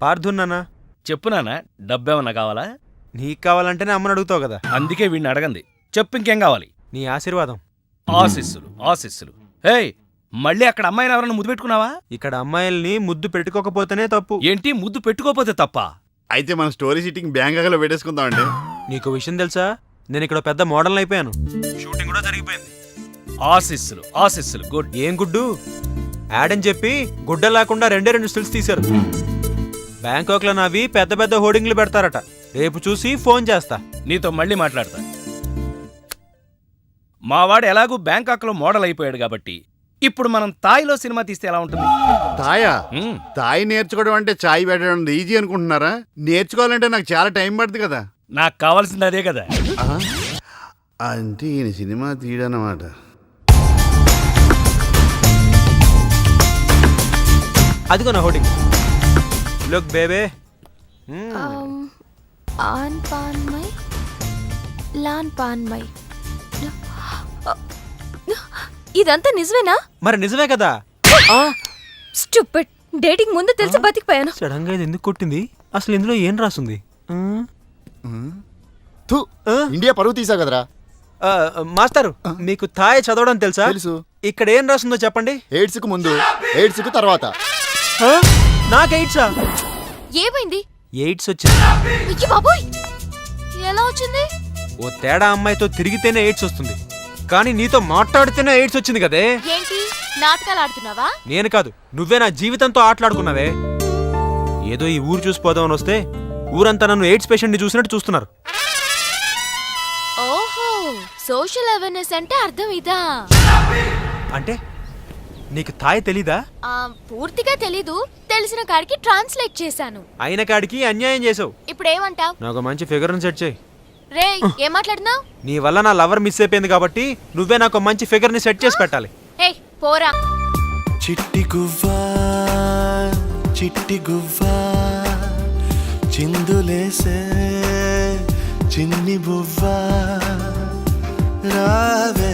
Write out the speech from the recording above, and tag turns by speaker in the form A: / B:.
A: పార్థున్నానా?
B: చెప్పునానా, డబ్బేమన్నా కావాలా?
A: నీకు కావాలంటేనే అమ్మని అడుగుతావు కదా.
B: అందుకే వీడిని అడగంది. చెప్పు, ఇంకేం కావాలి?
A: నీ ఆశీర్వాదం.
B: ఆశీస్సులు ఆశీస్సులు. హే, మళ్ళీ అక్కడ అమ్మాయిని ఎవరన్నా ముద్దు పెట్టుకున్నావా?
A: ఇక్కడ అమ్మాయిల్ని ముద్దు పెట్టుకోకపోతేనే తప్పు.
B: ఏంటి, ముద్దు పెట్టుకోపోతే తప్ప?
C: అయితే మన స్టోరీ షీటింగ్ బ్యాంకాక్లో పెట్టేసుకుందామండి.
A: నీకు విషయం తెలుసా, నేను ఇక్కడ పెద్ద మోడల్ అయిపోయాను. షూటింగ్ కూడా జరిగిపోయింది.
B: ఆశీస్సులు ఆశీస్సులు. గుడ్.
A: ఏం గుడ్డు? యాడ్ అని చెప్పి గుడ్డ లేకుండా 2 స్టిల్స్ తీశారు. బ్యాంకాక్ లో నావి పెద్ద పెద్ద హోర్డింగ్లు పెడతారట. రేపు చూసి ఫోన్ చేస్తా.
B: నీతో మళ్ళీ మాట్లాడతా. మావాడు ఎలాగూ బ్యాంకాక్లో మోడల్ అయిపోయాడు కాబట్టి ఇప్పుడు మనం తాయిలో సినిమా తీస్తే ఎలా ఉంటుంది?
C: తాయా? తాయి నేర్చుకోవడం అంటే చాయ్ పెట్టడం ఈజీ అనుకుంటున్నారా? నేర్చుకోవాలంటే నాకు చాలా టైం పడుతుంది కదా.
B: నాకు కావాల్సింది అదే కదా.
C: అంటే ఈయన సినిమా తీయడన్నమాట.
A: అదిగో నా హోర్డింగ్. లుక్ బేబే.
D: ఆన్ పాన్ మై లాన్ పాన్ మై. ఇదంతా నిజమేనా?
A: మరి నిజమే కదా.
D: స్టూపిడ్. డేటింగ్ ముందు తెలిసి బతికిపోయాను.
A: సడన్ గా ఇది ఎందుకు కొట్టింది? అసలు ఇందులో ఏం రాసుంది?
E: ఇండియా పరువు తీసా కదరా.
A: మాస్టర్, మీకు థాయ్ చదవడం తెలుసా?
E: తెలుసు.
A: ఇక్కడ ఏం రాసిందో చెప్పండి.
E: ఎయిడ్స్ కు ముందు, ఎయిడ్స్ కు తర్వాత.
A: నాకు ఎయిడ్సా?
D: ఏమైంది?
A: ఎయిడ్స్ వచ్చింది.
D: అయ్య బాబోయ్, ఎలా వచ్చింది?
A: ఓ తేడా అమ్మాయితో తిరిగితేనే ఎయిడ్స్ వస్తుంది, కానీ నీతో మాట్లాడితేనే ఎయిడ్స్ వచ్చింది కదే.
D: ఏంటి నాటకాలు ఆడుతున్నావా?
A: నేను కాదు, నువ్వే నా జీవితంతో ఆటలాడుకున్నావే. ఏదో ఈ ఊరు చూసిపోదామని వస్తే ఊరంతా నన్ను ఎయిడ్స్ పేషెంట్ ని చూసినట్టు చూస్తున్నారు.
D: ఓహో, సోషల్ అవేర్నెస్ అంటే అర్థం ఇదా?
A: అంటే నీకు థాయ్ తెలీదా?
D: పూర్తిగా తెలీదు. తెలిసిన కాడికి ట్రాన్స్లేట్ చేశాను.
A: అయిన కాడికి అన్యాయం చేసావు.
D: ఇప్పుడు ఏమంటావ్?
A: నాకు మంచి ఫిగర్ సెట్ చేయి.
D: రే, ఏం మాట్లాడుతున్నావు?
A: నీ వల్ల నా లవర్ మిస్ అయిపోయింది కాబట్టి నువ్వే నాకు మంచి ఫిగర్ ని సెట్ చేసి పెట్టాలి.
D: హే, పోరా.
F: చిట్టి గువ్వా చిట్టి గువ్వా చిందులేసే చిన్ని బువ్వా రావే